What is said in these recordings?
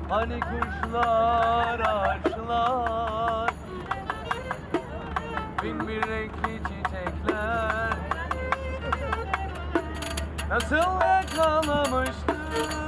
Hani kuşlar, ağaçlar, bin bir renkli çiçekler nasıl yakalamıştı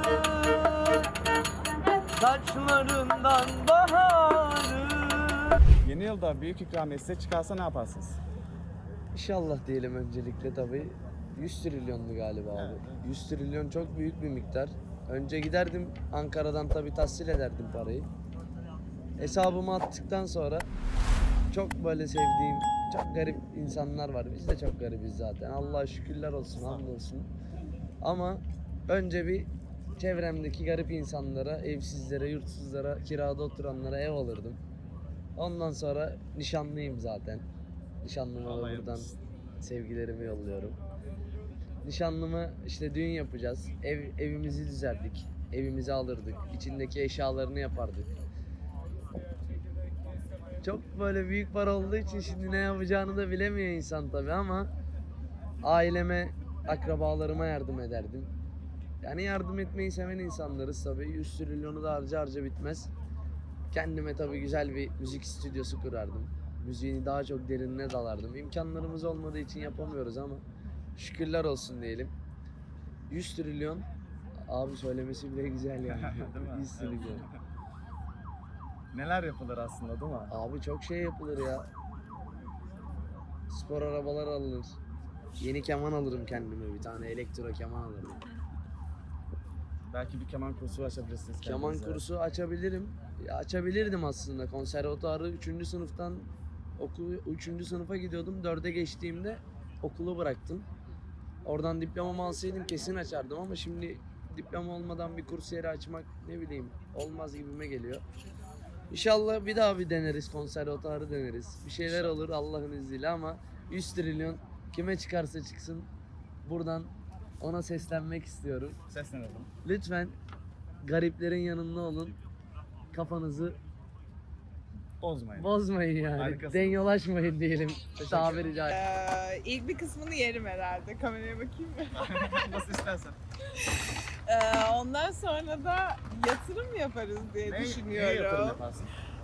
saçlarından baharı. Yeni yılda büyük ikramiye size çıkarsa ne yaparsınız? İnşallah diyelim öncelikle tabii. 100 trilyondu galiba abi. Evet, evet. 100 trilyon çok büyük bir miktar. Önce giderdim Ankara'dan tabii tahsil ederdim parayı. Hesabıma attıktan sonra çok böyle sevdiğim, çok garip insanlar var. Biz de çok garibiz zaten. Allah'a şükürler olsun, hamdolsun. Ama önce bir çevremdeki garip insanlara, evsizlere, yurtsuzlara, kirada oturanlara ev alırdım. Ondan sonra nişanlıyım zaten. Nişanlıma da Allah buradan yardımcısı. sevgilerimi yolluyorum. Nişanlımı işte düğün yapacağız. Evimizi düzerdik. Evimizi alırdık. İçindeki eşyalarını yapardık. Çok böyle büyük para olduğu için şimdi ne yapacağını da bilemiyor insan tabii ama aileme, akrabalarıma yardım ederdim. Yani yardım etmeyi seven insanlarız tabii. 100 trilyonu da harca harca bitmez. Kendime tabii güzel bir müzik stüdyosu kurardım. Müziğini daha çok derinine dalardım. İmkanlarımız olmadığı için yapamıyoruz ama şükürler olsun diyelim. 100 trilyon abi söylemesi bile güzel yani. Değil mi? 100 trilyon. Neler yapılır aslında değil mi? Abi çok şey yapılır ya. Spor arabalar alınır. Yeni keman alırım kendime, bir tane elektro keman alırım. Belki bir keman kursu açabilirsiniz Keman kendinize. kursu açabilirim. Ya açabilirdim aslında. Konservatuarı 3. sınıftan 3. sınıfa gidiyordum. 4'e geçtiğimde okulu bıraktım. Oradan diplomamı alsaydım kesin açardım ama şimdi diploma olmadan bir kurs yeri açmak ne bileyim olmaz gibime geliyor. İnşallah bir daha bir deneriz, konservatuarı deneriz. Bir şeyler olur Allah'ın izniyle ama 100 trilyon kime çıkarsa çıksın buradan ona seslenmek istiyorum. Seslenelim. Lütfen gariplerin yanında olun. Kafanızı Bozmayın. bozmayın yani. Harikasın. Denyolaşmayın diyelim tabiri caizse. İlk bir kısmını yerim herhalde. Kameraya bakayım mı? Nasıl istersen. Ondan sonra da yatırım yaparız diye Ne yatırım düşünüyorum. yaparsın?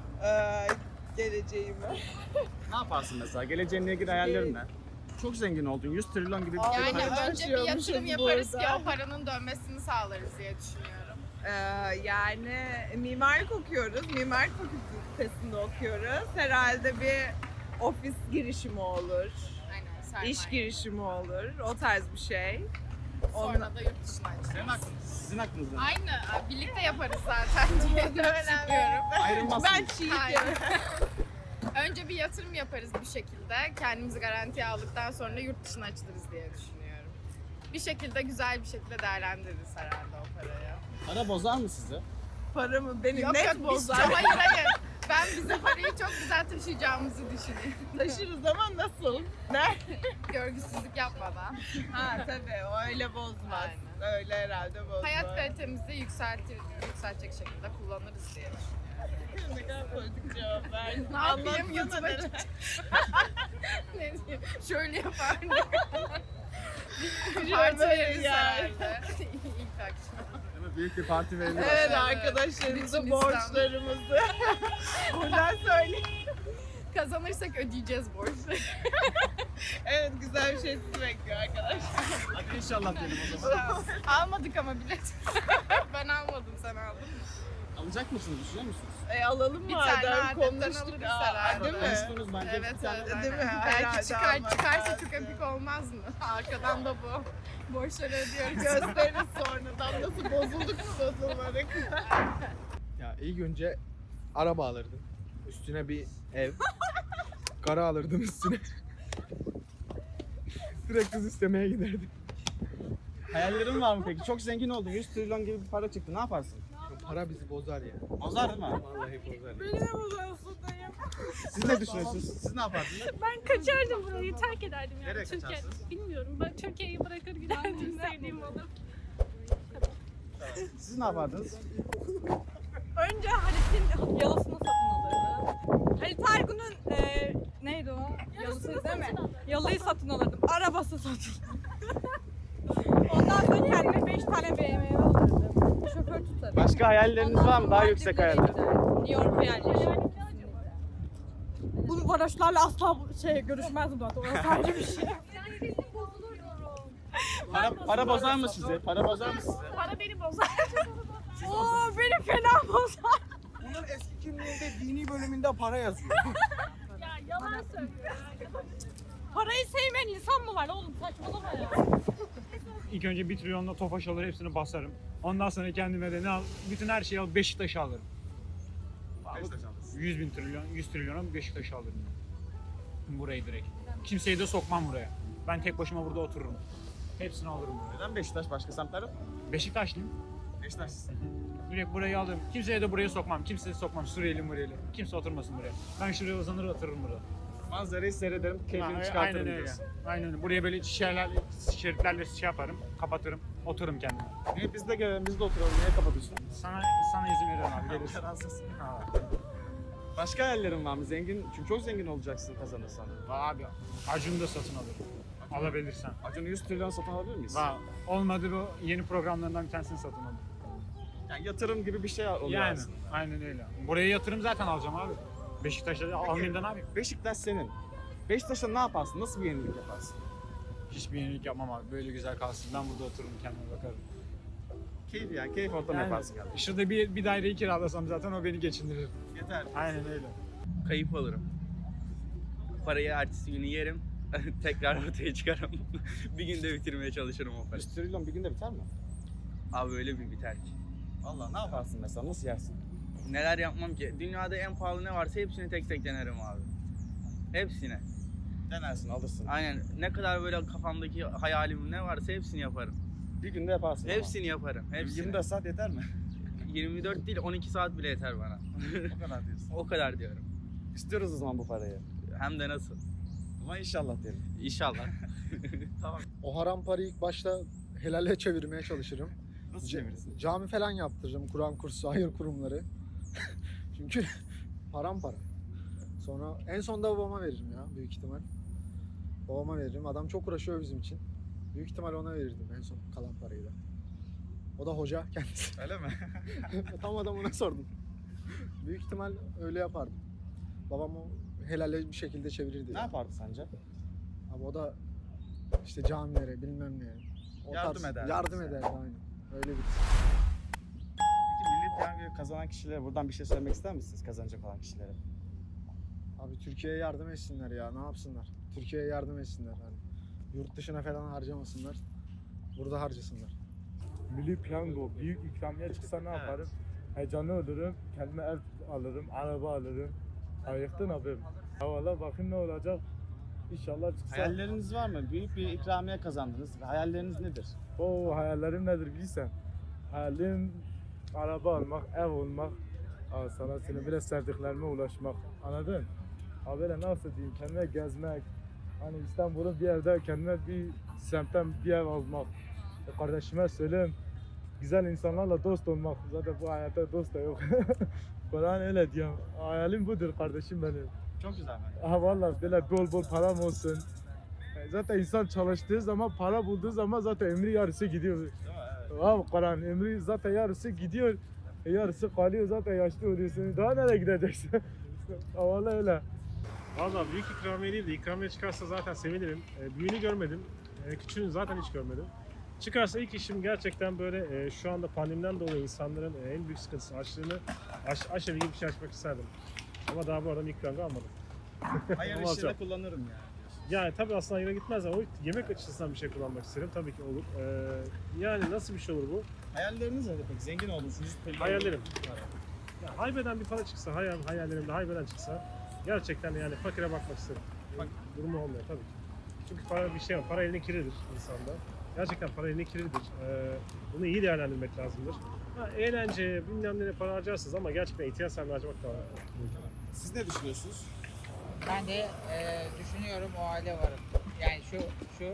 Geleceğimi. Ne yaparsın mesela? Geleceğinle ilgili hayallerin ne? Çok zengin oldun. 100 trilyon gibi bir şey. Yani Yani önce bir yatırım başlıyormuşuz yaparız burada. ki o paranın dönmesini sağlarız diye düşünüyorum. Yani mimarlık okuyoruz. Mimarlık fakültesinde okuyoruz. Herhalde bir ofis girişimi olur. Aynen sermaye. İş girişimi olur. O tarz bir şey. Sonra da yurt dışına Senin açacağız. aklınız, sizin aklınızda. Aynı birlikte yaparız zaten diye düşünüyorum. Ayrılmazsınız. Ben çiğ Aynen. Önce bir yatırım yaparız bir şekilde. Kendimizi garantiye aldıktan sonra yurt dışına açılırız diye düşünüyorum. Bir şekilde güzel bir şekilde değerlendiririz herhalde o parayı. Para bozar mı sizi? paramı beni Yok net yok biz bozar. hayır. Ben bize parayı çok güzel taşıyacağımızı düşünüyorum. Taşırız ama nasıl? Ne? Görgüsüzlük yapmadan. Ha tabii o öyle bozmaz. Öyle herhalde bozmaz. Hayat kalitemizi yükseltecek şekilde kullanırız diye düşünüyorum. Ne kadar politik cevap verdin. Ne yapayım Anlatsana YouTube'a neler. ne diyeyim? Şöyle yapardım. Şöyle Parti veririz yani. herhalde. İlk akşam. Değil mi? Büyük bir parti verilir. Evet Evet. arkadaşlarımıza Bütün borçlarımızı buradan söyleyeyim. Kazanırsak ödeyeceğiz borçları. Evet güzel bir şey sizi bekliyor arkadaşlar. Hadi inşallah diyelim o zaman. Almadık ama bilet. Ben almadım, sen aldın mı? Alacak mısınız? Düşünüyor musunuz? Alalım Bir madem tane adetten konuştuk. alırız Aa, herhalde. değil mi? Konuştunuz bence Evet, bir tane. evet. Değil mi? aynen. Herhalde Belki almak çıkarsa lazım. çok epik olmaz mı? Arkadan da bu. Borçları ödüyoruz. Gösteririz sonradan nasıl bozulduk mu bozulmadık. Ya ilk önce araba alırdım. Üstüne bir ev. Kara alırdım üstüne. Direkt kız istemeye giderdim. Hayallerin var mı peki? Çok zengin oldun. 100 trilyon gibi bir para çıktı. Ne yaparsın? Para bizi bozar ya. Bozar değil mi? Vallahi bozar. Ya. Beni de bozuyorsun dayım. Siz ne düşünüyorsunuz? Siz ne yapardınız? Ben kaçardım burayı, terk ederdim yani. Nereye Türkiye. kaçarsınız? Bilmiyorum. Ben Türkiye'yi bırakır giderdim sevdiğim alıp. Siz ne yapardınız? Önce Halit'in yalısını satın alırdım. Halit Ergun'un neydi o? Yalısı değil mi? Yalıyı satın alırdım. Arabası satın. Ondan sonra kendime 5 tane BMW alırdım. Şoför tutarım. Başka hayalleriniz Ondan var mı? sonra Daha yüksek Maldivlere hayaller. giderim. New York'a yerleşirim. Bu varoşlarla asla görüşmezdim zaten. Orası ayrı bir şey. Para bozar mı size? Para bozar mı size? Para beni bozar. Oo beni fena bozar. Bunun eski kimliğinde dini bölümünde para yazıyor. Ya yalan söylüyor. Parayı sevmeyen insan mı var oğlum? Saçmalama ya. İlk önce 1 trilyonla Tofaş alır, hepsini basarım. Ondan sonra kendime de ne al? Bütün her şeyi al, Beşiktaş'ı alırım. 100 bin trilyon, 100 trilyona Beşiktaş'ı alırım. Burayı direkt. Kimseyi de sokmam buraya. Ben tek başıma burada otururum. Hepsini alırım buraya. Neden Beşiktaş? Başka semtler yok mu? Beşiktaşlıyım. Beşiktaşlısın. Direkt burayı alırım. Kimseye de buraya sokmam. Kimseyi sokmam. Suriyeli muriyeli. Kimse oturmasın buraya. Ben şuraya uzanır otururum burada. Manzarayı seyrederim, keyfini Aynen çıkartırım öyle. diyorsun. Aynen öyle. Buraya böyle şeritlerle şey yaparım. Kapatırım. Otururum kendime. Niye biz de gelelim, biz de oturalım. Niye kapatıyorsun? Sana izin veriyorum abi. Gelirsin. Kararsız. Ha. Başka hayallerin var mı? Zengin, çünkü çok zengin olacaksın kazanırsan. Abi Acun'u da satın alırım. Alabilirsen. Acun 100 trilyon satın alabilir miyiz? Olmadı bu yeni programlarından bir tanesini satın alırım. Yani yatırım gibi bir şey oluyor Yani aslında. aynen öyle. Buraya yatırım zaten alacağım abi. Beşiktaş'ta almayayım da ne yapayım? Beşiktaş senin. Beşiktaş'ta ne yaparsın? Nasıl bir yenilik yaparsın? Hiçbir yenilik yapmam abi. Böyle güzel kalsın. Ben burada otururum kendime bakarım. Keyif yani, keyif ortamı yaparsın yani. Şurada bir daireyi kiralasam zaten o beni geçindirir. Yeter. Aynen öyle. Kayıp alırım. Parayı ertesi günü yerim. Tekrar ortaya çıkarım. Bir günde bitirmeye çalışırım o parayı. 100 trilyon bir günde biter mi? Abi öyle bir biter ki. Allah, ne yaparsın mesela? Nasıl yersin? Neler yapmam ki? Dünyada en pahalı ne varsa hepsini tek tek denerim abi. Hepsine. Denersin, alırsın. Aynen. Ne kadar böyle kafamdaki hayalim ne varsa hepsini yaparım. Bir günde yaparsın Hepsini yaparım. ama. Hepsini. 24 saat yeter mi? 24 değil 12 saat bile yeter bana. O kadar diyorsun. O kadar diyorum. İstiyoruz o zaman bu parayı. Hem de nasıl? Ama inşallah diyelim. İnşallah. O haram parayı ilk başta helale çevirmeye çalışırım. Nasıl çevirirsin? Cami falan yaptırırım. Kur'an kursu, hayır kurumları. Çünkü haram para. Sonra en sonda babama veririm ya büyük ihtimal. Babama veririm. Adam çok uğraşıyor bizim için. Büyük ihtimal ona verirdim en son kalan parayı da. O da hoca kendisi. Öyle mi? Tam adamına sordum. Büyük ihtimal öyle yapardım. Babam o helale bir şekilde çevirirdi. Ne yapardı sence? Ama o da işte camilere bilmem ne. O Yardım ederdi Yardım bize. ederdi aynen. Öyle bir. Peki milli piyangoyu kazanan kişilere buradan bir şey söylemek ister misiniz kazanacak olan kişilere? Abi Türkiye'ye yardım etsinler ya, ne yapsınlar? Türkiye'ye yardım etsinler hani. Yurt dışına falan harcamasınlar. Burada harcasınlar. Milli piyango, büyük ikramiye çıksa ne yaparım? Heyecanlı olurum, kendime ev alırım, araba alırım. Ayıktın abim. Ya valla bakayım ne olacak. İnşallah çıksa. Hayalleriniz var mı? Büyük bir ikramiye kazandınız. Hayalleriniz nedir? O hayallerim nedir bilirsen. Hayalim araba almak, ev olmak. Aa, sana senin bile sevdiklerime ulaşmak. Anladın? Abi böyle nasıl diyeyim, kendime gezmek. Hani İstanbul'un bir yerde kendime bir semtten bir ev almak. Kardeşime söyleyeyim. Güzel insanlarla dost olmak. Zaten bu hayatta dost da yok. Kur'an öyle diyor. Hayalim budur kardeşim benim. Çok güzel mi? Aha vallahi böyle bol bol param olsun. Zaten insan çalıştığı zaman, para bulduğu zaman zaten ömrü yarısı gidiyor. Değil mi? Evet. Abi Kur'an ömrü zaten yarısı gidiyor. Yarısı kalıyor zaten yaşlı oluyorsun. Daha nereye gideceksin? Vallahi öyle. Valla büyük ikramiye değil de ikramiye çıkarsa zaten sevinirim. Büyüğünü görmedim. Küçüğünü zaten hiç görmedim. Çıkarsa ilk işim gerçekten böyle şu anda pandemiden dolayı insanların en büyük sıkıntısı açlığını aşabildiğim bir şey açmak isterdim. Ama daha bu arada ikramı almadım. Hayır Olmaz işine ya. kullanırım yani. Yani tabii aslında yine gitmez ama o yemek açısından bir şey kullanmak isterim. Tabii ki olur. Yani nasıl bir şey olur bu? Hayalleriniz nedir peki? Zengin oldunuz. Hayallerim. Ya, haybeden bir para çıksa, hayallerimde haybeden çıksa gerçekten yani fakire bakmak isterim. Bak. Durumu olmuyor tabii ki. Çünkü para bir şey var. Para elinin kiridir insanda. Gerçekten para elinin kiridir. Bunu iyi değerlendirmek lazımdır. Eğlence, bilmem ne para harcarsınız ama gerçekten ihtiyaç sahibi harcamak da var. Siz ne düşünüyorsunuz? Ben de düşünüyorum o hale varım. Yani şu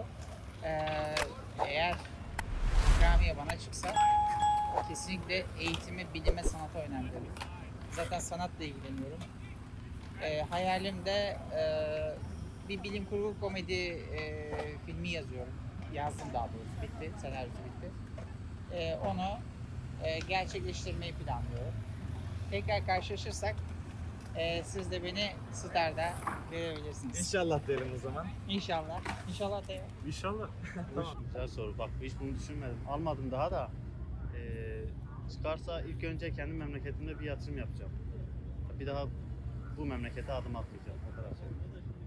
eğer ikramiye bana çıksa kesinlikle eğitime, bilime, sanata önem veririm. Zaten sanatla ilgileniyorum. Hayalim de bir bilim kurgu komedi filmi yazıyorum. Yazdım daha doğrusu, bitti, senaryosu bitti. Onu gerçekleştirmeyi planlıyorum. Tekrar karşılaşırsak siz de beni Star'da görebilirsiniz. İnşallah diyelim o zaman. İnşallah. İnşallah da İnşallah. Güzel soru. Bak hiç bunu düşünmedim. Almadım daha da. Çıkarsa ilk önce kendi memleketimde bir yatırım yapacağım. Bir daha bu memlekete adım atmayacağım. O kadar söyleyeyim.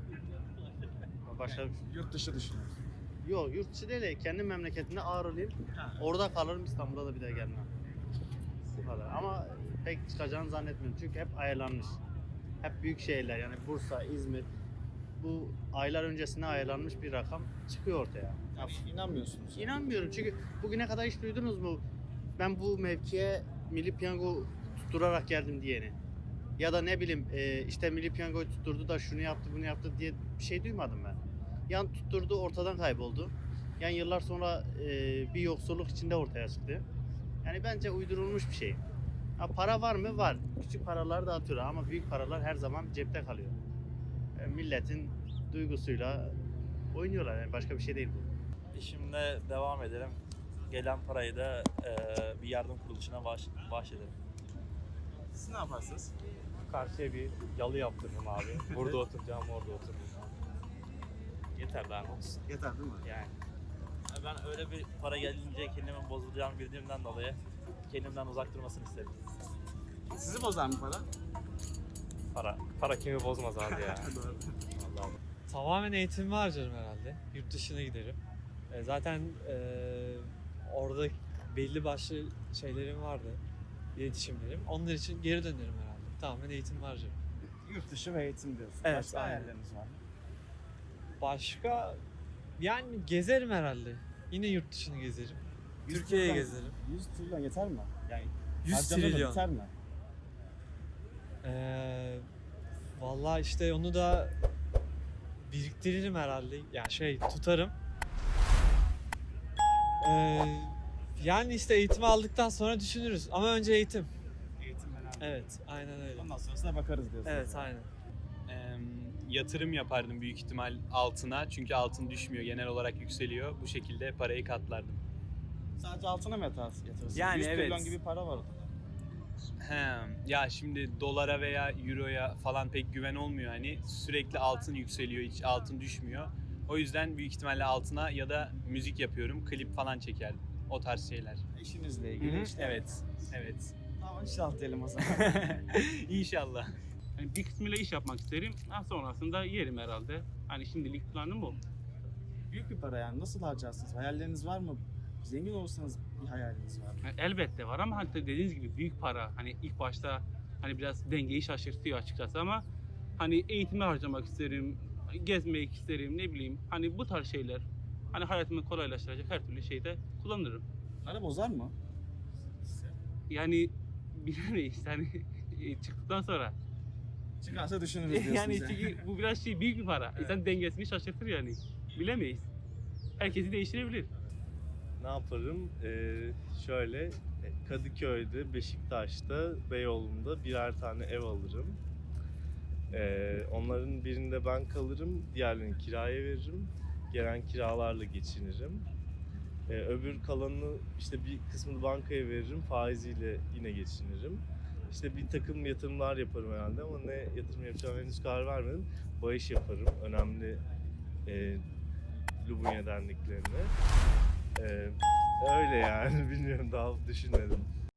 Başka bir şey. Yurt dışı düşünüyoruz. Yok yurt dışı değil de kendi memleketimde ağırlayayım. Orada kalırım, İstanbul'a da bir daha gelmem. Bu kadar. Ama pek çıkacağını zannetmiyorum. Çünkü hep ayarlanmış. Hep büyük şehirler yani Bursa, İzmir. Bu aylar öncesine ayarlanmış bir rakam çıkıyor ortaya. Ya, inanmıyorsunuz. İnanmıyorum çünkü bugüne kadar hiç duydunuz mu? Ben bu mevkiye Milli Piyango tutturarak geldim diyeni. Ya da ne bileyim işte Milli Piyango'yu tutturdu da şunu yaptı bunu yaptı diye bir şey duymadım ben. Yan tutturdu ortadan kayboldu. Yani yıllar sonra bir yoksulluk içinde ortaya çıktı. Yani bence uydurulmuş bir şey. Ha, para var mı? Var. Küçük paralar da atıyor ama büyük paralar her zaman cepte kalıyor. Milletin duygusuyla oynuyorlar yani başka bir şey değil bu. İşimle devam ederim. Gelen parayı da bir yardım kuruluşuna bahşederim. Siz ne yaparsınız? Karşıya bir yalı yaptırırım abi. Burada oturacağım, orada otururum. Yeter daha ne olsun. Yeter değil mi? Yani ben öyle bir para gelince kendimin bozulacağını bildiğimden dolayı kendimden uzak durmasını isterim. Sizi bozar mı para? Para kimi bozmaz abi ya. Vallahi. Tamamen eğitimimi harcarım herhalde. Yurt dışına giderim. Zaten orada belli başlı şeylerim vardı. İletişimlerim. Onlar için geri dönerim herhalde. Tamamen eğitimimi harcarım. Yurt dışı ve eğitim diyorsun. Evet, Başka aynen. hayalleriniz var mı? Başka yani gezerim herhalde. Yine yurt dışını gezerim. Türkiye'ye gezerim. 100 trilyon yeter mi? Yani 100 harcama da trilyon. biter mi? Vallahi işte onu da biriktiririm herhalde. Yani tutarım. Yani işte eğitimi aldıktan sonra düşünürüz. Ama önce eğitim. Eğitim önemli. Evet, aynen öyle. Ondan sonrasına bakarız diyorsunuz. Evet, aynen. Yatırım yapardım büyük ihtimal altına. Çünkü altın düşmüyor. Genel olarak yükseliyor. Bu şekilde parayı katlardım. Sadece altına mı yatırırsınız? Yani 100 trilyon evet. gibi para var. Ya şimdi dolara veya euroya falan pek güven olmuyor. Hani sürekli altın yükseliyor. Hiç altın düşmüyor. O yüzden büyük ihtimalle altına ya da müzik yapıyorum. Klip falan çekerdim. O tarz şeyler. İşinizle ilgili işte. Evet. Evet. Tamam inşallah diyelim o zaman. İnşallah. Yani bir kısmıyla iş yapmak isterim. Daha sonrasında yerim herhalde. Hani şimdilik planım bu. Büyük bir para yani. Nasıl harcarsınız? Hayalleriniz var mı? Zengin olursanız bir hayaliniz var mı? Yani elbette var ama hani dediğiniz gibi büyük para. Hani ilk başta hani biraz dengeyi şaşırtıyor açıkçası ama hani eğitime harcamak isterim, gezmek isterim, ne bileyim. Hani bu tarz şeyler. Hani hayatımı kolaylaştıracak her türlü şeyde kullanırım. Para bozar mı? Yani bilemeyiz hani çıktıktan sonra. Çıkarsa düşünürüz diyorsunuz Yani çünkü bu biraz büyük bir para. İnsan dengesini şaşırtır yani. Bilemeyiz. Herkesi değiştirebilir. Ne yaparım? Şöyle Kadıköy'de, Beşiktaş'ta, Beyoğlu'nda birer tane ev alırım. Onların birinde ben kalırım, diğerlerini kiraya veririm. Gelen kiralarla geçinirim. Öbür kalanını işte bir kısmını bankaya veririm, faiziyle yine geçinirim. İşte bir takım yatırımlar yaparım herhalde ama ne yatırım yapacağım henüz karar vermedim. Bağış yaparım önemli Lubunya derneklerine. Öyle yani bilmiyorum daha düşünmedim.